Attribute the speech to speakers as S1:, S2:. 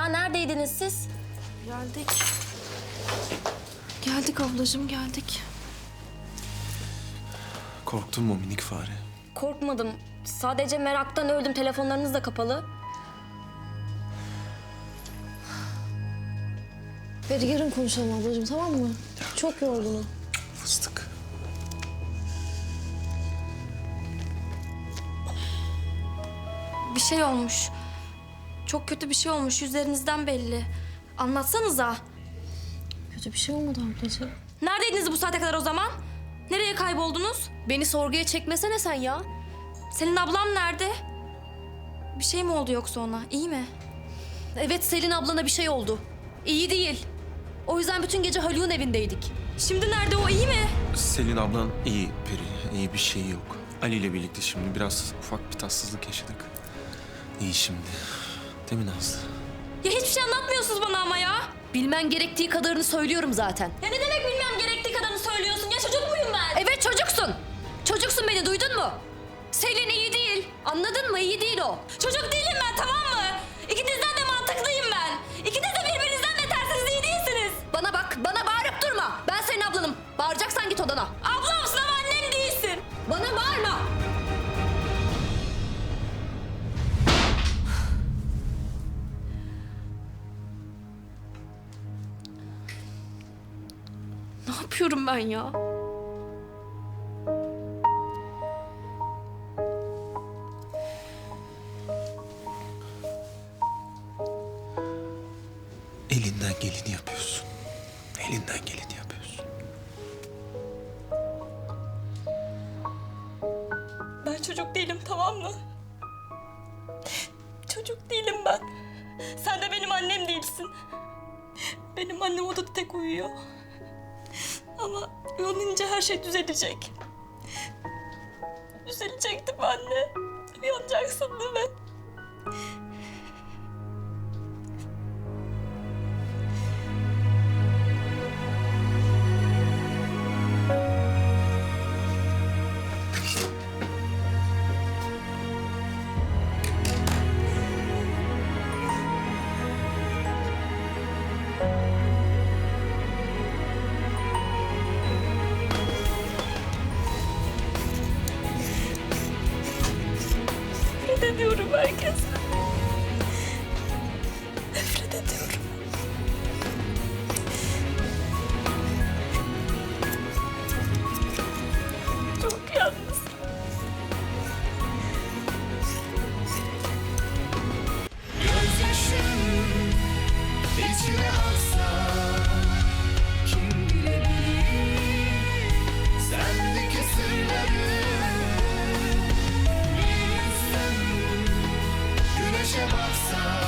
S1: ya? Neredeydiniz siz?
S2: Geldik. Geldik ablacığım, geldik.
S3: Korktun mu minik fare?
S1: Korkmadım. Sadece meraktan öldüm. Telefonlarınız da kapalı.
S4: Hadi yarın konuşalım ablacığım, tamam mı? Çok yorgunum.
S3: Fıstık.
S1: Bir şey olmuş. Çok kötü bir şey olmuş. Yüzlerinizden belli. Anlatsanıza.
S4: Kötü bir şey olmadı ablacığım.
S1: Neredeydiniz bu saate kadar o zaman? Nereye kayboldunuz?
S2: Beni sorguya çekmesene sen ya.
S1: Selin ablam nerede? Bir şey mi oldu yoksa ona? İyi mi?
S2: Evet, Selin ablana bir şey oldu. İyi değil. O yüzden bütün gece Haluk'un evindeydik.
S1: Şimdi nerede o? İyi mi?
S3: Selin ablan iyi Peri. İyi bir şey yok. Ali ile birlikte şimdi biraz ufak bir tatsızlık yaşadık. İyi şimdi. Değil mi Nazlı?
S1: Ya hiçbir şey anlatmıyorsunuz bana ama ya.
S2: Bilmen gerektiği kadarını söylüyorum zaten.
S1: Ya ne demek bilmem gerektiği kadarını söylüyorsun? Ya çocuk muyum ben?
S2: Evet, çocuksun. Çocuksun, beni duydun mu? Selin iyi değil. Anladın mı? İyi değil o.
S1: Çocuk değilim ben, tamam mı? İkinizden de mantıklıyım ben. İkiniz de birbirinizden betersiniz, iyi değilsiniz.
S2: Bana bak, bana bağırıp durma. Ben senin ablanım. Bağıracaksan git odana.
S1: Ablamsın ama annem değilsin.
S2: Bana bağırma.
S1: Ne yapıyorum ben ya?
S3: Elinden geleni yapıyorsun. Elinden geleni yapıyorsun.
S1: Ben çocuk değilim, tamam mı? Çocuk değilim ben. Sen de benim annem değilsin. Benim annem odada tek uyuyor. Ama uyanınca her şey düzelecek. Düzelecek değil mi anne? Uyanacaksın değil mi? Nefret ediyorum herkese. Nefret ediyorum. Çok yalnız.
S5: Gözyaşım içime aksa kim bilebilir sendeki sırları bir insan güneşe baksa